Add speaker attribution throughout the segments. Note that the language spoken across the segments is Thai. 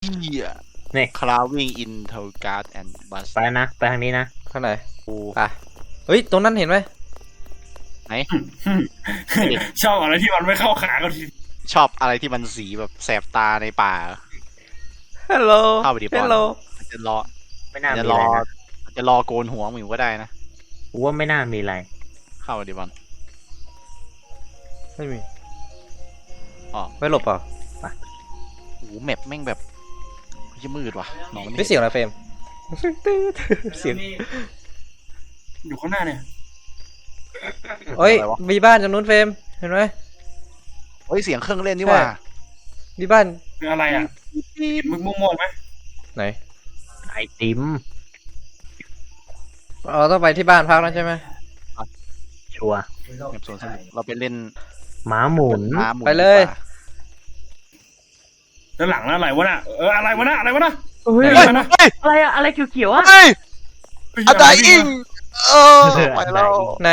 Speaker 1: เหี้ย
Speaker 2: นี่
Speaker 1: Crawling into guard and bus
Speaker 2: ไปนะไปทางนี้นะ
Speaker 3: ข้างไหนไปเฮ้ยตรงนั้นเห็นไหม
Speaker 4: ชอบอะไรที่มันไม่เข้าขากันที
Speaker 1: ชอบอะไรที่มันสีแบบแสบตาในป่า
Speaker 3: ฮัลโหล
Speaker 1: เข้าไปดิบอล
Speaker 3: ฮัลโหล
Speaker 1: มันจะรอ
Speaker 2: ไม่น่า
Speaker 1: จะ
Speaker 2: มี
Speaker 1: ร
Speaker 2: อะ
Speaker 1: อ
Speaker 2: ไรนะ
Speaker 1: จะรอโกนหัวมึงก็ได้นะ
Speaker 2: กูว่าไม่น่ามีอะไร
Speaker 1: เข้าไปดิบอล
Speaker 3: ไม่มี
Speaker 1: อ๋อ
Speaker 3: ไม่หลบเปล่า
Speaker 1: โอ้โหแมปแม่งแบบยิ่มืดว่ะมองไม่
Speaker 3: ไม่
Speaker 1: เห็น
Speaker 3: เสียงอะไรเฟรมเสียง
Speaker 4: อยู่ข้างหน้าเนี่ย
Speaker 3: เฮ้ยมีบ้านจำนู้นเฟรมเห็นไหม
Speaker 1: เฮ้ยเสียงเครื่องเล่นนี่ว่ะ
Speaker 3: มีบ้าน
Speaker 4: คืออะไรอ่ะมึงม่วงไหม
Speaker 3: ไหน
Speaker 2: ไอติม
Speaker 3: เราต้องไปที่บ้านพักแล้วใช่ไหม
Speaker 2: ชัวร์
Speaker 1: แมปสวนสนุกเราไปเล่น
Speaker 2: ม้าหมุน
Speaker 1: ม้าหมุน
Speaker 3: ไปเลย
Speaker 1: ดีกว่า
Speaker 4: แล้วหลังอะไรวะน่ะอะไรวะน่ะอะไรวะน่ะ
Speaker 2: เฮ้ย
Speaker 4: อะไรวะน่ะ
Speaker 2: อะไรอะอะไรเขียวๆอะ
Speaker 1: เฮ้ยอะไดอิงเออไปแล้ว
Speaker 3: ไหน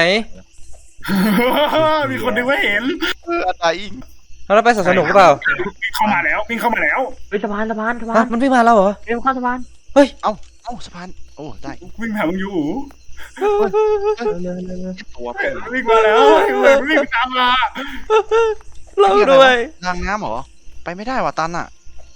Speaker 4: มีคนนึงไม่เห็น
Speaker 1: อะไดอิง
Speaker 3: เราไปสวนสนุกหรือเปล่า
Speaker 4: วิ่งเข้ามาแล้ววิ่งเข้ามาแล้ว
Speaker 2: เฮ้ยสะพาน
Speaker 3: ฮะมันวิ่งมาแล้วเหรอ
Speaker 2: เร็วเข้าสะพาน
Speaker 1: เอ้าสะพานโอ้ได้
Speaker 4: วิ่งหามึงอยู่อู๋
Speaker 1: ตัวเป็น
Speaker 4: วิ่งมาแล้ววิ่งตามมา
Speaker 3: เราด้วย
Speaker 1: ทางน้ำเหรอไปไม่ได้ว่ะตันอ่ะ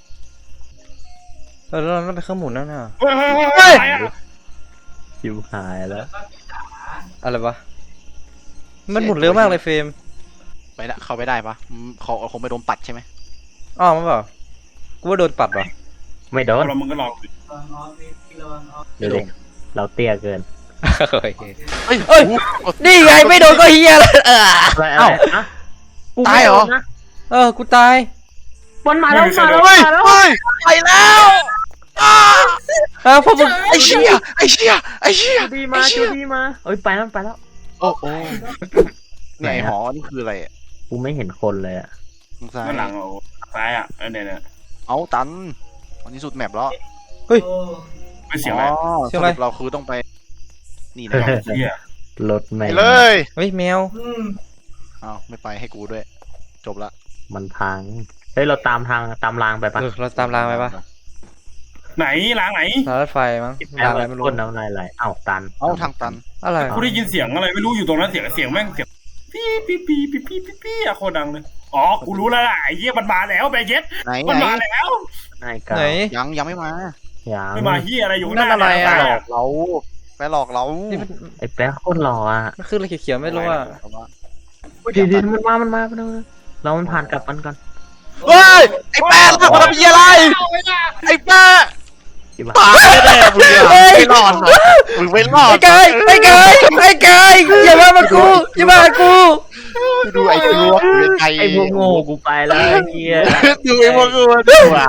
Speaker 3: เราต้องไปเครื่องหมุนนั่นน่ะ
Speaker 4: เฮ้ยอะไรอ่ะ
Speaker 2: ชิวหายแล้ว
Speaker 3: อะไรวะมันหมุนเร็วมากเลยเฟรม
Speaker 1: ไปละเข้าไปได้ปะเขาคงไปโดนปัดใช่ไหม
Speaker 3: อ้าวมันเปล่ากูว่าโดนปัดว่ะ
Speaker 2: ไม่โดน
Speaker 4: เรามึงก็หลอก
Speaker 2: เดี๋ยวเราเตี้ยเกิน
Speaker 1: เฮ้ย
Speaker 3: เอ้ย นี่ไงไม่โดนก็เฮียแล้ว
Speaker 2: อะไรอะไรอะกู
Speaker 1: ตายเหรอ
Speaker 2: ไม่โดนนะ
Speaker 3: กูตาย
Speaker 2: มันมาแล้ว
Speaker 1: เฮ้ยเฮ้ยไปแล้วอ้า
Speaker 3: พวกมึง
Speaker 1: ไอ้เชี่ยไอ้เชี่ยไอ้เชี่ย
Speaker 2: ดีมาชูดีมาเอ้ยไปแล้ว
Speaker 1: โอ้โหเนี่ยไอ้หอนี่คืออะไรอ่ะ
Speaker 2: กูไม่เห็นคนเลยอะ
Speaker 1: สงสัย
Speaker 4: ด้านหลังซ้ายอ่ะเนี่ย
Speaker 1: เอาตันวันนี้สุดแมปแล้ว
Speaker 4: ไม่เสียงอะไร
Speaker 1: สรุปเราคือต้องไป นี่นะ
Speaker 4: เฮีย
Speaker 2: รถ
Speaker 1: ไป
Speaker 2: แม่ง
Speaker 1: เลย
Speaker 3: เฮ้ยแมว
Speaker 1: เอาไม่ไปให้กูด้วย จบละ
Speaker 2: มันพังเฮ้ยเราตามรางไปปะ
Speaker 3: เราตามรางไปปะ
Speaker 4: ไหนล้างไหน
Speaker 3: รางรถไฟมั้ง
Speaker 2: แล้
Speaker 3: รางอะไรไม่รู้
Speaker 2: คนน้ำลายไหลเอ้าตัน
Speaker 1: เอาทางตัน
Speaker 3: อะไร
Speaker 4: กูได้ยินเสียงอะไรไม่รู้อยู่ตรงนั้นเสียงแม่งเสียงปี้อะโคตรดังเลยอ๋อกูรู้แล้วล่ะไอ้เหี้ยมันมาแล้วแบเย็ด
Speaker 1: ไหน
Speaker 4: มัน
Speaker 1: ไหน
Speaker 4: มาแล้ว
Speaker 2: นายกา
Speaker 3: ไหน
Speaker 1: ยังไม่มา
Speaker 2: อย่าง
Speaker 4: ไม่มาเหี้ยอะไรอยู่ห
Speaker 3: นั่
Speaker 4: น้าน
Speaker 3: อะไรอะ
Speaker 1: ไปหลอกเราไปหลอกเรา
Speaker 3: นี่มัน
Speaker 2: ไอ้แป๊ะโคตรหล่ออ่ะ
Speaker 3: มันขึ้นอะไรเขียวๆไม่รู้อ่ะ
Speaker 2: เดี๋ยวมันมาเรามันผ่านกลับมันก่อน
Speaker 1: เฮ้ยไอ้แป้งทำอะไรอะไรไอ้แป้ง
Speaker 2: ที่บ้า
Speaker 1: ตายแน่มึงอะไม่รอดหรอกมึงไม่รอด
Speaker 3: ไอ้กายอย่ามากูอย่ามากู
Speaker 1: ดูไอ้ตัวไอ้
Speaker 2: ไอ้พวกโง่กูไปแล้วไอ้เหี้ย
Speaker 1: ดูไอ้พวกกูดูอ่ะ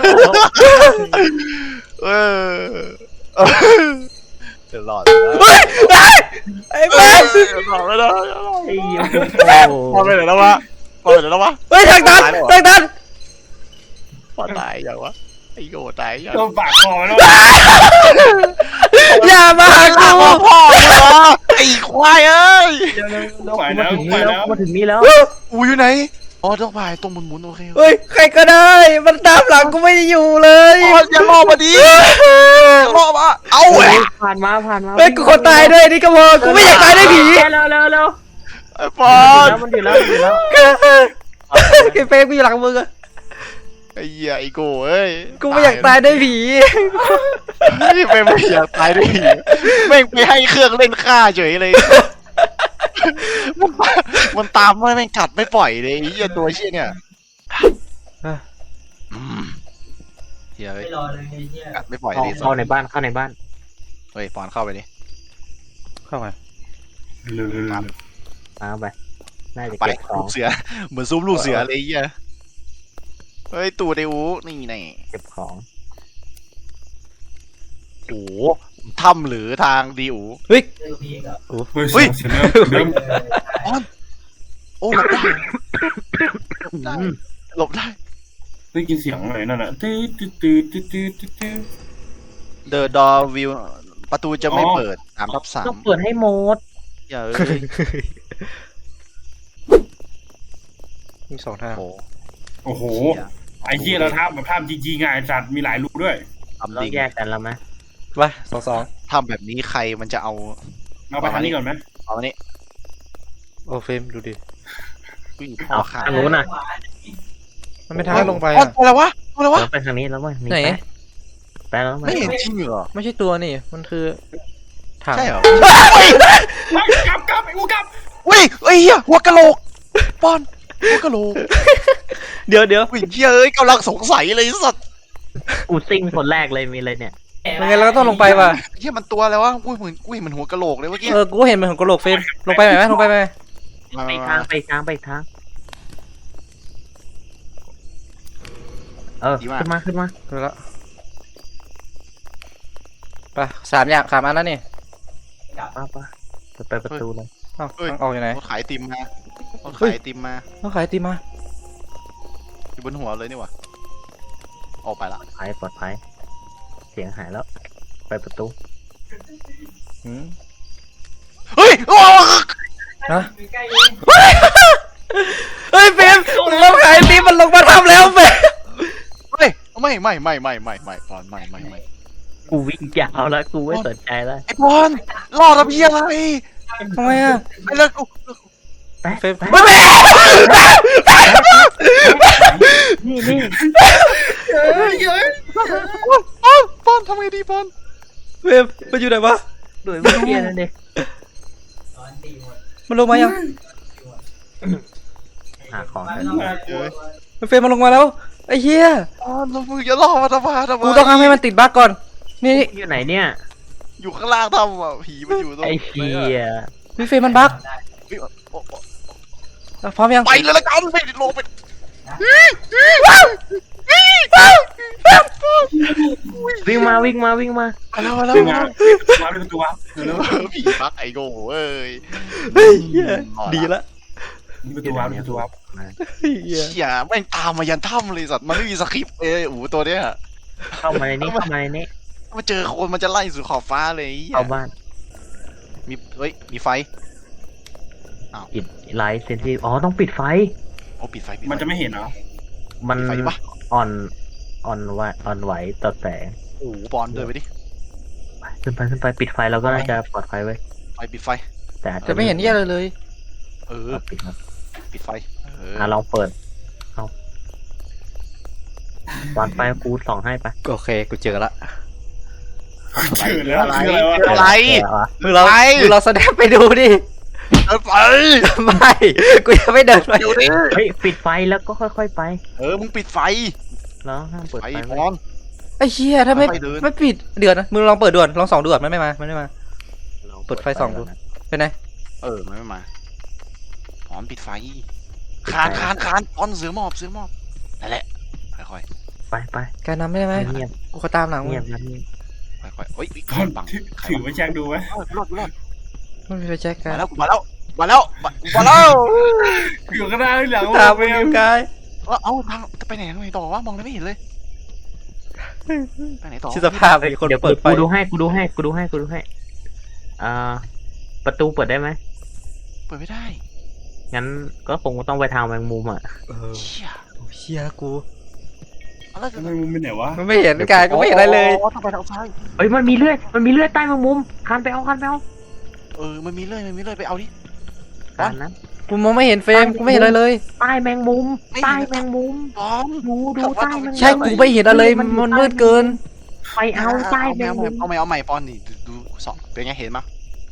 Speaker 1: เออจะรอด
Speaker 3: ไอ้บ้า
Speaker 1: รอดไม่ได้
Speaker 2: ไอ้เหี้ย
Speaker 1: พอไปไหนแล้ววะพอไปไหนแล้ววะ
Speaker 3: เฮ้ยทางตัน
Speaker 1: พอตายอย่างวะไอ้โง่ตายอย่าง
Speaker 4: โดนปากคอแล้ว
Speaker 3: อย่ามากู
Speaker 1: พ่อเหรอไอ้ควายเอ้ย
Speaker 4: ไปแล้วไปแล้ว
Speaker 2: มาถึงนี่แล้ว
Speaker 1: อูอยู่ไหนอ๋อต้องไปตรงหมุนโอเค
Speaker 3: เฮ้ยใครก็ได้มันตามหลังกูไม่ได้อยู่เลย
Speaker 1: อ๋ออย่ารอมาดิรอมาเอาแหวะ
Speaker 2: ผ่านมา
Speaker 3: เฮ้ยกูขอตายด้วยนี่ก็พอกูไม่อยากตายด้วยผี
Speaker 2: เร็ว
Speaker 1: ไอ้ปอน
Speaker 2: มันอยู่แล้ว
Speaker 3: ไอ้เฟรมกูอยู่หลังมึงอะ
Speaker 1: ไอ้เหี้ยไอ้โก้เอ้ย
Speaker 3: กูไม่อยากตายด้วยผี
Speaker 1: ไม่อยากตายด้วยผีแม่งไปให้เครื่องเล่นฆ่าเฉยเลยมันตามไม่กัดไม่ปล่อยเลยไอ้เหี้ยตัวเชี่ยเนี่ยเหี้ยกัดไม่ปล่อยเลย
Speaker 2: เข้าในบ้าน
Speaker 1: เฮ้ยปอนเข้าไปดิ
Speaker 3: เข้ามา
Speaker 2: มาไปน่าจะ
Speaker 1: ไป
Speaker 2: เก็บขอ
Speaker 1: ลู
Speaker 2: ง
Speaker 1: กเสือเหมือนซุปลูกเสือเลยไอ้เหี้ยเฮ้ยตูดไอ้อูนี่ไง
Speaker 2: เก็บของ
Speaker 1: โอ้ถ้ำหรือทางดีอู
Speaker 3: เฮ้ย
Speaker 4: เฮ้ยเสียงเริ่ม
Speaker 1: โอ้หลบได้หลบได้
Speaker 4: ได้ยินเสียงอะไรนั่นน่ะตื้อ
Speaker 1: The door will ประตูจะไม่เปิด3/3
Speaker 2: ต้องเปิดให้หมด
Speaker 1: อย่า
Speaker 3: มีสองทาง
Speaker 1: โอ้
Speaker 4: โอ้โหไปอ้เหี้ยเราทำแบบทำจริงๆไงสัตว์มีหลายรูด้วย
Speaker 1: ทำ
Speaker 2: เรา
Speaker 1: จริง
Speaker 2: แยกกันแล้วไหม
Speaker 3: ไป2-2
Speaker 1: ทำแบบนี้ใครมันจะเอา
Speaker 4: เราไปทางนี้ก่อนไหม
Speaker 1: เอาอันนี้
Speaker 3: โอ้เฟรมดูดิ
Speaker 1: ผู้หญิงพ่อขา
Speaker 2: ทางนู้นน่ะ
Speaker 3: มันไม่ทางให้ลงไป
Speaker 1: อ๋อ
Speaker 3: อ่ะ
Speaker 1: อะไรวะอะไรวะ
Speaker 2: เราไปทางนี้แล้วมั้ย
Speaker 3: ไหน
Speaker 2: ไปแล้วมั้
Speaker 1: ไม่
Speaker 2: ย
Speaker 1: เห็นจริงเหรอ
Speaker 3: ไม่ใช่ตัวนี่มันคือถัง
Speaker 1: ใช่เหรอ
Speaker 4: กลับไอ้กูกลับ
Speaker 1: เว้ยเฮ้ยเหี้ยหัวกะโหลกปอนหัวกะโหลก
Speaker 3: เดี๋ยว
Speaker 1: ผู้หญิงเหี้ยเอ้ยกำลังสงสัยเลยไอ้สัตว์
Speaker 2: กูซิ่งคนแรกเลยมีเลยเนี่ย
Speaker 3: ยังไงเราก็ต้องลงไปว่ะ
Speaker 1: เหี้ยมันตัวอะไรวะอุ้ยเหมือนอุ้ยเหมันหัวกะโหลกเลยเมื่อกี้
Speaker 3: กูเห็นมันของกระโหลกเฟรมลงไปไหมลงไปไหม
Speaker 2: ไปทางไปทางไปทางขึ้นมา
Speaker 3: ดูแล้วไป3 อันแล้วนี่
Speaker 2: ป้าจะไปประตูเลย
Speaker 3: เอ้าทางออกอยู่ไหน
Speaker 1: รถขายไอติมมาถขายไอติมมา
Speaker 3: ต้องขายไอติมมา
Speaker 1: อยู่บนหัวเลยนี่หวะออกไปละ
Speaker 2: ปลอดภัยเสียงหายแล้ว ไปประตู
Speaker 3: หืม
Speaker 1: เฮ้ยโอ้
Speaker 3: ฮะเฮ้ยเฟรมเราขายไอติมมันลงมาทำแล้วเฟรม
Speaker 1: เฮ้ยไม่ปอนไม่
Speaker 2: กูวิ่งยาวแล้วกูไม่สนใจแล้ว
Speaker 1: ไอ้ปอนรอดระเบียงอะไร
Speaker 3: ทำไมอ่ะ
Speaker 1: ไอ้เลิกกู
Speaker 2: ไป
Speaker 3: เฟรม
Speaker 1: ไม่
Speaker 2: นี่
Speaker 1: ปอนทำไงดีปอน
Speaker 3: เฟรมมันอยู่ไหนวะ
Speaker 2: ด้วยวิเทียนั่นเอง
Speaker 3: มันลงมายัง
Speaker 2: หาของกัน
Speaker 3: เฟรมมันลงมาแล้วไอ้เหี้ย
Speaker 1: ปอนเรามือจะล่อมาทำไม
Speaker 3: กูต้องทำให้มันติดบั๊กก่อนนี่
Speaker 2: อยู่ไหนเนี่ย
Speaker 1: อยู่ข้างล่างทำอ่ะผีมันอยู่ตรง
Speaker 2: ไอ้เหี้ย
Speaker 3: พี่เฟรมมันบั๊กพร้อมยัง
Speaker 1: ไปเลยละกันไปลงไป
Speaker 2: วิ่งมา
Speaker 1: แล้ว
Speaker 4: เป็นไงวาร์ปเป็นประตูวาร์ป
Speaker 1: ผีปักไอโง่เอ้ย
Speaker 3: เฮ้ยเหี้ยดีละ
Speaker 4: นี่ประตูวาร์ปประตูวาร์ป
Speaker 3: เฮ้ยเหี้ย
Speaker 1: เชี่ยแม่งตามมายันถ้ำเลยสัตว์มันไม่มีสคริปต์เลยโอ้โหตัวเนี้ย
Speaker 2: เข้ามาในนี้
Speaker 1: มาเจอคนมันจะไล่สู่ขอบฟ้าเลย
Speaker 2: เข้าบ้าน
Speaker 1: มีเฮ้ยมีไฟ
Speaker 2: ปิดไลท์เซนซิทีฟต้องปิดไฟ
Speaker 1: โอ้ปิดไฟ
Speaker 4: มันจะไม่เห็นเหรอ
Speaker 2: มัน
Speaker 1: ไฟปะ
Speaker 2: อ่อนไหวต่อแสง
Speaker 1: โอ้โหบอลเดินไปดิ
Speaker 2: ขึ้นไปปิดไฟเราก็น่าจะปลอดภัยไว้
Speaker 1: ไฟปิดไฟ
Speaker 2: แต่อาจ
Speaker 3: จะไม่เห็นเหี้ยอะไรเลย
Speaker 1: เออ
Speaker 2: ปิดครับ
Speaker 1: ปิดไฟ
Speaker 2: ลองเปิดเอาวางไฟกูส่องให้ไป
Speaker 3: โอเคกูเจอละ
Speaker 4: เจอแล้วคืออะไรวะ
Speaker 1: อะไร
Speaker 3: มึงเรา
Speaker 1: ไป
Speaker 3: แสดงไปดูดิ
Speaker 1: เดินไป
Speaker 3: ไม่กูจะไม่เดินไป
Speaker 1: เดี๋ยวดิ
Speaker 2: เฮ้ยปิดไฟแล้วก็ค่อยๆไป
Speaker 1: มึงปิดไฟ
Speaker 2: แล้วห้ามเปิด
Speaker 1: ไฟ
Speaker 2: ไฟ
Speaker 1: บ
Speaker 2: ไว้
Speaker 1: อล
Speaker 3: ไอ้เชี่ยถ้าไม่
Speaker 1: ไปเดิน
Speaker 3: ไม่ปิดเดือดนะมึงลองเปิดด่วนลองส่องด่วนมันไม่มาเปิดไฟส่องดูเป็นไง
Speaker 1: มันไม่มาบอลปิดไฟคานบอลเสือหมอบนั่นแหละค่อย
Speaker 2: ไป
Speaker 3: การนำได้ไหม
Speaker 2: เงียบ
Speaker 3: กูขอตามหลังมึง
Speaker 2: เงียบ
Speaker 1: ๆค่อยๆเฮ้ย
Speaker 4: ก่อน
Speaker 1: บัง
Speaker 4: ถือไว้แจ็คดูไหม
Speaker 1: รอด
Speaker 3: ไม่มีไฟแจ็คกัน
Speaker 1: มาแล้ว
Speaker 4: อยู่ข้างหน้าหลัง
Speaker 3: ตามมึงอยู่ไกล
Speaker 1: เอาทางจะไปไหนต่อวะมองไม่เห็นเลยไปไหนต่อ
Speaker 3: ชิสภาพไอ้คน
Speaker 2: เดี๋ยว
Speaker 3: เปิดไฟ
Speaker 2: กูดูให้ประตูเปิดได้ไหม
Speaker 1: เปิดไม่ได้
Speaker 2: งั้นก็คงต้องไปทางแมงมุมอ่ะ
Speaker 1: เชี่ย
Speaker 3: เชี่ยกู
Speaker 1: อะไร
Speaker 4: ทำไมมึงเป็นไหนวะ
Speaker 3: มันไม่เห็นกายกูไม่เห็นอะไรเลย
Speaker 1: ต้องไปทางซ้าย
Speaker 2: เฮ้ยมันมีเลือดใต้แมงมุมคันไปเอา
Speaker 1: มันมีเลื่อยไปเอาดิ
Speaker 2: คันนั้น
Speaker 3: กูมองไม่เห็นเฟรมกูไม่เห็นอะไรเลย
Speaker 2: ใต้แมงมุม
Speaker 1: ไม่เห็น บอม
Speaker 2: ดูใต้แมงมุม
Speaker 3: ใช่กูไม่เห็นอะไรมันมืดเกิน
Speaker 2: ไปเอาใต้แมงมุม
Speaker 1: เอาใหม่ปอนดิดูสองเป็นไงเห็นมั้ย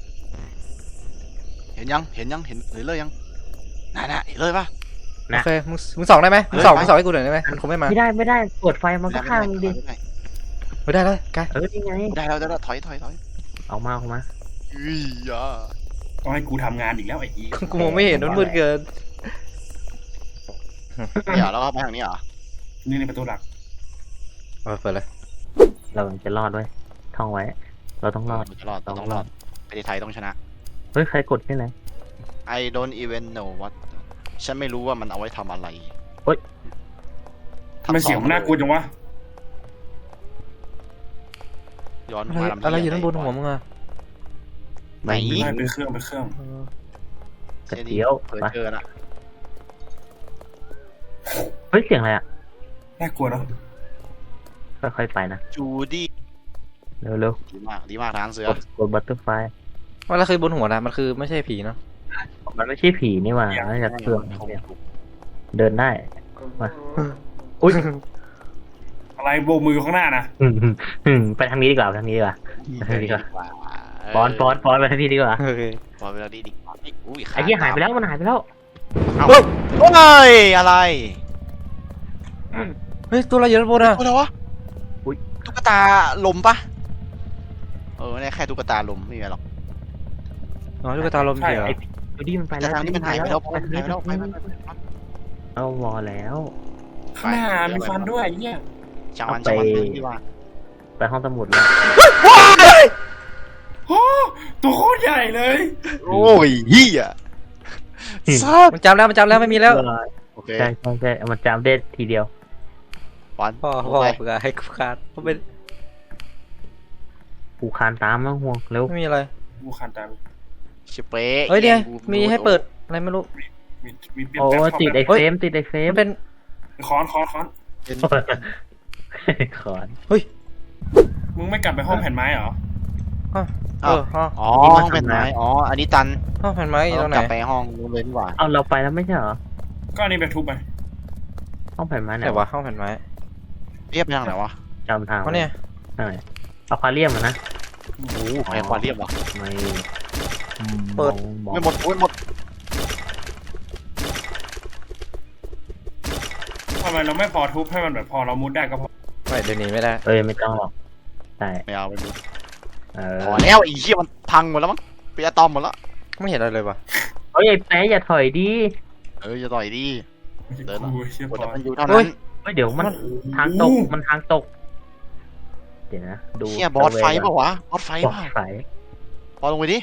Speaker 1: เห็นยังเห็นเลยยังน่ะเห็นเลยปะ
Speaker 3: โอเคมึงส่องได้ไหมมึงส่องให้กูหน่อยได้ไหมมันคงไม่มา
Speaker 2: ไม่ได้เปิดไฟมันก็ข้างมึงดิ
Speaker 3: ไม่ได้เลยกาย
Speaker 2: นี่ไง
Speaker 1: ได้แล้วถอย
Speaker 2: เอามา
Speaker 1: อุ้ยอ่ะ
Speaker 4: ต้องให้กูทำงานอีกแล้วไอ้อี
Speaker 3: กูมองไม่เห็นมันมืดเกิน
Speaker 1: เนี่ยแล้วก็ไปทางนี้เหรอ
Speaker 4: นี่ในประตูหลัก
Speaker 3: เปิดเลย
Speaker 2: เราจะรอดด้วยท่องไว้ เราต้องรอด
Speaker 1: ต้องรอดประเทศไทยต้องชนะ
Speaker 2: เฮ้ยใครกดที่ไหน
Speaker 1: I don't even know what ฉันไม่รู้ว่ามันเอาไว้ทำอะไร
Speaker 4: ทำไมเสียงมันน่ากลัวจังวะ
Speaker 1: ย้อน
Speaker 3: อะไรอยู่ด้านบนหัวมึงอะ
Speaker 1: ไหน
Speaker 4: ไม่เป็นเครื่อง
Speaker 2: กระเจียว
Speaker 1: เปิด
Speaker 2: ไป
Speaker 1: เจอละ
Speaker 2: เฮ้ยเสียงอะไรอ่ะ
Speaker 4: น่ากลัวเนาะ
Speaker 2: ค่อยๆไปนะ
Speaker 1: จูดี้
Speaker 2: เร็ว
Speaker 1: ดีมากทางเสื
Speaker 2: ๆ
Speaker 1: อก
Speaker 2: ดบัตเตอร์ไฟ
Speaker 3: ว่าแล้วคือบนหัวนะมันคือไม่ใช่ผีเนาะ
Speaker 2: มันไม่ใช่ผีนี่หว่าน่าจะเครื่องเดินได้มาอุ้ย
Speaker 4: อะไรโบกมือข้างหน้านะ
Speaker 2: ไปทางนี้ดีกว่าไปทางนี้ดีกว่า ดีกว่า ปอนไปทางนี้ดีกว่า
Speaker 3: โอเค
Speaker 1: ปอนไปแล้วดีกว่าอุ้ย
Speaker 2: ไอ้ที่หายไปแล้วมันหายไปแล้ว
Speaker 1: โอ้ยอะไร
Speaker 3: เฮ้ยตัวอะไรอยู่ด้านบนอ่ะ
Speaker 1: อะไรวะ
Speaker 2: อุ๊ย
Speaker 1: ตุ๊กตาลมปะเนี่ยแค่ตุ๊กตาลมไม่มีอะไรหรอก
Speaker 3: อ๋อลูกตาลมเฉยเหรอ
Speaker 2: ไอ้จูดี้มันไป
Speaker 1: แต่
Speaker 2: แล้ว
Speaker 1: ทางนี้มันหายไปแล้วหายไปแล้วไป
Speaker 2: เอาวอแล้ว
Speaker 4: ข้างหน้ามีฟันด้วยไอ้เนี่ย
Speaker 1: จังหวันดีกว่า
Speaker 2: ไปห้องสมุดแล้ว
Speaker 4: โอ้ตัวโคตรใหญ่เลย
Speaker 1: โอ้ยเฮียซับ
Speaker 3: มันจำแล้วไม่มีแล้ว
Speaker 1: โอเค
Speaker 2: ใช่มันจำได้ทีเดียว
Speaker 1: ปอน
Speaker 3: พ่อเผื่อให้กูขาดเพราะเป็น
Speaker 2: กูคานตามแล้วห่วงเร็ว
Speaker 3: ไม่มีอะไร
Speaker 4: กูคันตาม
Speaker 1: ชิเป้
Speaker 3: เฮ้ยเนี่ยมีให้เปิดอะไรไม่รู้
Speaker 4: มีเปลี่ยน
Speaker 2: โอ้
Speaker 4: แปลง
Speaker 2: ติดไอเฟรมติดไอเฟรม
Speaker 3: มันเป็น
Speaker 4: ค้อน
Speaker 2: ขอน
Speaker 4: มึงไม่กลับไปห้องแผ่นไม้เหรอ
Speaker 3: อ๋อ
Speaker 1: ห้องแผ่นไม้อันนี้ตัน
Speaker 3: ห้องแผ่นไม้อยู่ตรงไหน
Speaker 1: กลับไปห้องนู้นเลยดีกว่า
Speaker 2: เอาเราไปแล้วไม่ใช่เหรอ
Speaker 4: ก็อันนี้ไปทุบไป
Speaker 2: ห้องแผ่นไม้ไหน
Speaker 3: ไหนวะห้องแผ่นไม้
Speaker 1: เรียบไปทางไหนวะ
Speaker 2: จำทาง
Speaker 3: เพราะเนี่ย
Speaker 2: ใช่อะควาเรียมอะนะ
Speaker 1: โอ้โหแพงกว่าเรียบวะ
Speaker 2: ไม่
Speaker 1: ไม่หมดไม่หมด
Speaker 4: ทำไมเราไม่พอทุบให้มันแบบพอเรามุดได้ก็พอ
Speaker 3: ไม่เดี๋ยวนี้ไม่ได้
Speaker 2: ไม่ต้องหรอกใช่
Speaker 1: ไม่เอาไปหมด
Speaker 2: เอ
Speaker 1: พอแล้วอีเหี้ยมันพังหมดแล้วมั้งเป็นอะตอมหมดแล้ว
Speaker 3: ไม่เห็นอะไรเลยวะ
Speaker 2: ไอ้แป๊ะอย่าถอยดิ
Speaker 1: จะต่อยดี เดิน
Speaker 4: กูเชี่ย
Speaker 1: ก
Speaker 4: พ
Speaker 1: ด
Speaker 4: อ
Speaker 1: มันอยู่เท่านั้น
Speaker 2: เดี๋ยวมันทางตกมันทางตกเดี๋ยวนะดู
Speaker 1: เหี้ยบอสไฟปะวะบอสไฟ
Speaker 2: บอ
Speaker 1: ปะ
Speaker 2: สไฟ
Speaker 1: พอลงไปดิ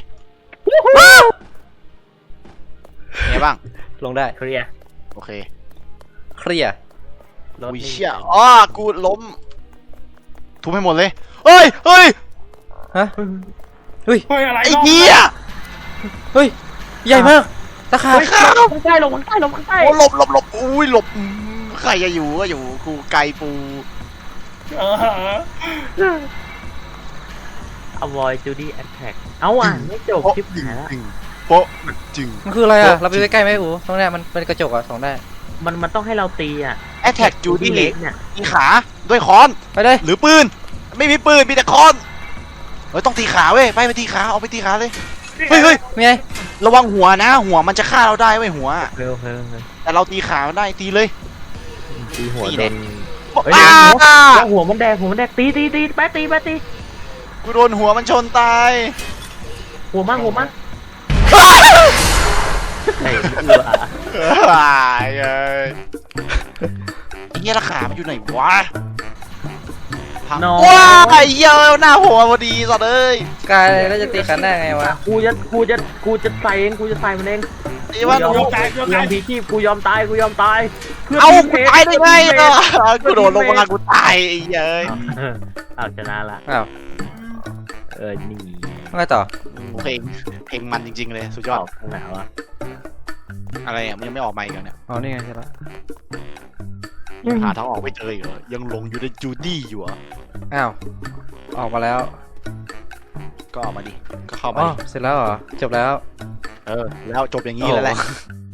Speaker 1: ไงบ้าง
Speaker 3: ลงได้
Speaker 2: เคลียร์
Speaker 1: โอเค
Speaker 3: เคลียร์
Speaker 1: อุ้ยเชี่ยกูล้มทุบให้หมดเลยเฮ้ย
Speaker 3: ฮะ
Speaker 4: เฮ้ยอะไร
Speaker 1: ไอ้เหี้ย
Speaker 3: เฮ้ยใหญ่มากตะขาบ
Speaker 1: ข้าว
Speaker 2: ข้างใต้ลงข้างใต้ลงข้างใต้
Speaker 1: โอ้หลบอุ้ยหลบใครจะอยู่ก็อยู่กูไกลปู
Speaker 2: avoid Judy attack เอาอ่ะไม่จบคลิปหายแล้ว
Speaker 1: โป๊ะจึง
Speaker 3: มันคืออะไรอ่ะเราไปใกล้ๆไหมอูตรงเนี้ยมันเป็นกระจกอ่ะส่องได้
Speaker 2: มันต้องให้เราตีอ่ะ
Speaker 1: แอทแทกจูดี้
Speaker 2: เล็กเนี่ย
Speaker 1: ตีขาด้วยค้อน
Speaker 3: ไปเลย
Speaker 1: หรือปืน ไม่มีปืนมีแต่ค้อนต้องตีขาเว้ยไปตีขาเอาไปตีขาเลยเฮ้ย
Speaker 3: มีไง
Speaker 1: ระวังหัวนะหัวมันจะฆ่าเราได้เว้ยหัว
Speaker 2: เร็ว
Speaker 1: แต่เราตีขามันได้ตีเลย
Speaker 2: ตีหัว
Speaker 1: ตี
Speaker 2: โด
Speaker 1: เด็
Speaker 2: น
Speaker 1: ด
Speaker 2: เฮ้ยหัวมันแดงตีแป๊ะตี
Speaker 1: กูโดนหัวมันชนตาย
Speaker 2: หัวมั่งไอ้เอือ
Speaker 1: ตายเลยไอ้เงี้ยราคามันอยู่ไหนวะพัง
Speaker 2: น้อง
Speaker 1: ว้าไอ้เหี้ยหน้าหัวพอดีสัตว์เอ้ย
Speaker 3: กายแล้วจะตีกันได้ไงวะ
Speaker 2: กูจะใส่เองกูจะใส่มันเอง
Speaker 1: ไอ้มัน
Speaker 2: กูยอมพีชีพกูยอมตายเพื่อ
Speaker 1: เอา
Speaker 2: ทีม
Speaker 1: กู
Speaker 2: พ
Speaker 1: ตายได้ไงกูโดดลงมากูตายไอ้เหี้ยเอ้ย
Speaker 2: เอาชนะละ
Speaker 3: อ้าว
Speaker 2: นี่
Speaker 3: ไงต่อ
Speaker 1: เพลงมันจริงๆเลยสุดยอด
Speaker 2: ข้างหนาวอ่ะ
Speaker 1: อะไรอ่ะมันยังไม่ออกมาอีกเหรอเนี่ย
Speaker 3: อ๋อนี่ไงใช่ละ
Speaker 1: หาทางออกไม่เจออีกเหรอยังหลงอยู่ในจูดี้อยู่อ่ะ
Speaker 3: อ้าวออกมาแล้ว
Speaker 1: ก็ออกมาดิก็เข้า
Speaker 3: อ๋
Speaker 1: มา
Speaker 3: อ
Speaker 1: ดิ
Speaker 3: เสร็จแล้วเหรอจบแล้ว
Speaker 1: แล้วจบอย่างนี้แล้วแหละ
Speaker 3: โอ้